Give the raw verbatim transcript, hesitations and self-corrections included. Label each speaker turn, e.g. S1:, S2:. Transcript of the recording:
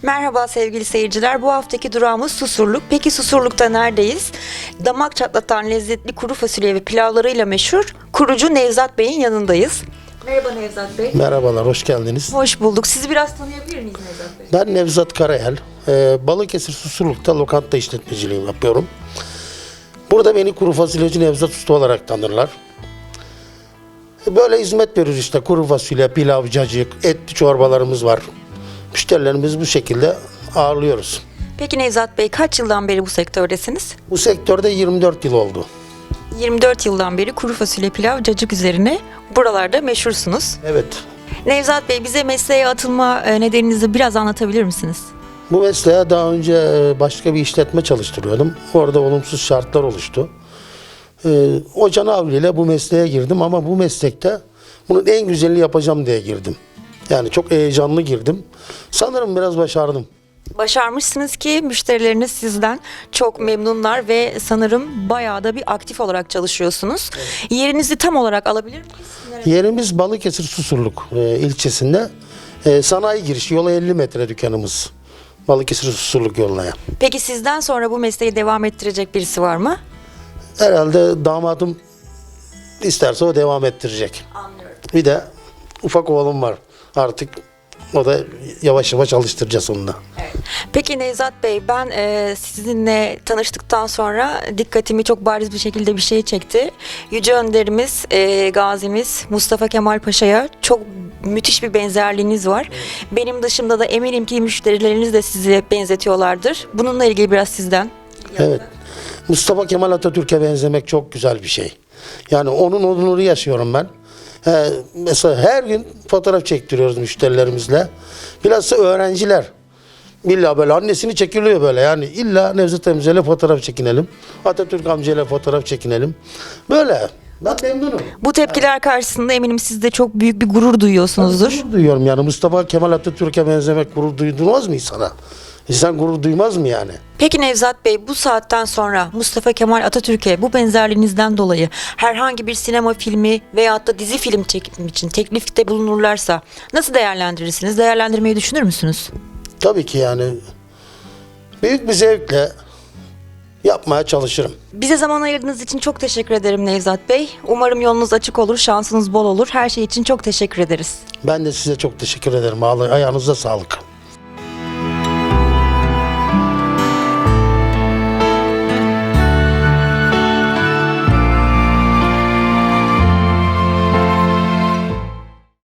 S1: Merhaba sevgili seyirciler. Bu haftaki durağımız Susurluk. Peki Susurluk'ta neredeyiz? Damak çatlatan lezzetli kuru fasulye ve pilavlarıyla meşhur kurucu Nevzat Bey'in yanındayız. Merhaba Nevzat Bey.
S2: Merhabalar, hoş geldiniz.
S1: Hoş bulduk. Sizi biraz tanıyabilir miyiz Nevzat Bey?
S2: Ben Nevzat Karayel. Ee, Balıkesir Susurluk'ta lokanta işletmeciliği yapıyorum. Burada beni kuru fasulyeci Nevzat Usta olarak tanırlar. Böyle hizmet veriyoruz işte. Kuru fasulye, pilav, cacık, etli çorbalarımız var. Müşterilerimizi bu şekilde ağırlıyoruz.
S1: Peki Nevzat Bey, kaç yıldan beri bu sektördesiniz?
S2: Bu sektörde yirmi dört yıl oldu.
S1: yirmi dört yıldan beri kuru fasulye, pilav, cacık üzerine buralarda meşhursunuz.
S2: Evet.
S1: Nevzat Bey, bize mesleğe atılma e, nedeninizi biraz anlatabilir misiniz?
S2: Bu mesleğe daha önce e, başka bir işletme çalıştırıyordum. Orada olumsuz şartlar oluştu. Ee, o canavliyle bu mesleğe girdim ama bu meslekte bunun en güzelini yapacağım diye girdim. Yani çok heyecanlı girdim. Sanırım biraz başardım.
S1: Başarmışsınız ki müşterileriniz sizden çok memnunlar ve sanırım bayağı da bir aktif olarak çalışıyorsunuz. Evet. Yerinizi tam olarak alabilir miyiz? Nerede?
S2: Yerimiz Balıkesir Susurluk e, ilçesinde. E, sanayi girişi, yola elli metre dükkanımız. Balıkesir Susurluk yoluna.
S1: Peki sizden sonra bu mesleği devam ettirecek birisi var mı?
S2: Herhalde damadım isterse o devam ettirecek.
S1: Anlıyorum.
S2: Bir de ufak oğlum var. Artık o da yavaş yavaş alıştıracağız onunla.
S1: Evet. Peki Nevzat Bey, ben e, sizinle tanıştıktan sonra dikkatimi çok bariz bir şekilde bir şey çekti. Yüce Önderimiz, e, Gazimiz Mustafa Kemal Paşa'ya çok müthiş bir benzerliğiniz var. Evet. Benim dışımda da eminim ki müşterileriniz de sizi benzetiyorlardır. Bununla ilgili biraz sizden.
S2: Evet. Mustafa Kemal Atatürk'e benzemek çok güzel bir şey. Yani onun onuru yaşıyorum ben. Ee, mesela her gün fotoğraf çektiriyoruz müşterilerimizle. Bilhassa öğrenciler. İlla böyle annesini çekiliyor böyle. Yani illa Nevzat amcayla fotoğraf çekinelim. Atatürk amcayla fotoğraf çekinelim. Böyle. Ben memnunum.
S1: Bu tepkiler karşısında eminim siz de çok büyük bir gurur duyuyorsunuzdur.
S2: Ben gurur duyuyorum yani. Mustafa Kemal Atatürk'e benzemek gurur duydurmaz mı insana? İnsan gurur duymaz mı yani?
S1: Peki Nevzat Bey, bu saatten sonra Mustafa Kemal Atatürk'e bu benzerliğinizden dolayı herhangi bir sinema filmi veyahut da dizi film çekimi için teklifte bulunurlarsa nasıl değerlendirirsiniz? Değerlendirmeyi düşünür müsünüz?
S2: Tabii ki yani büyük bir zevkle yapmaya çalışırım.
S1: Bize zaman ayırdığınız için çok teşekkür ederim Nevzat Bey. Umarım yolunuz açık olur, şansınız bol olur. Her şey için çok teşekkür ederiz.
S2: Ben de size çok teşekkür ederim. Ayağınıza sağlık.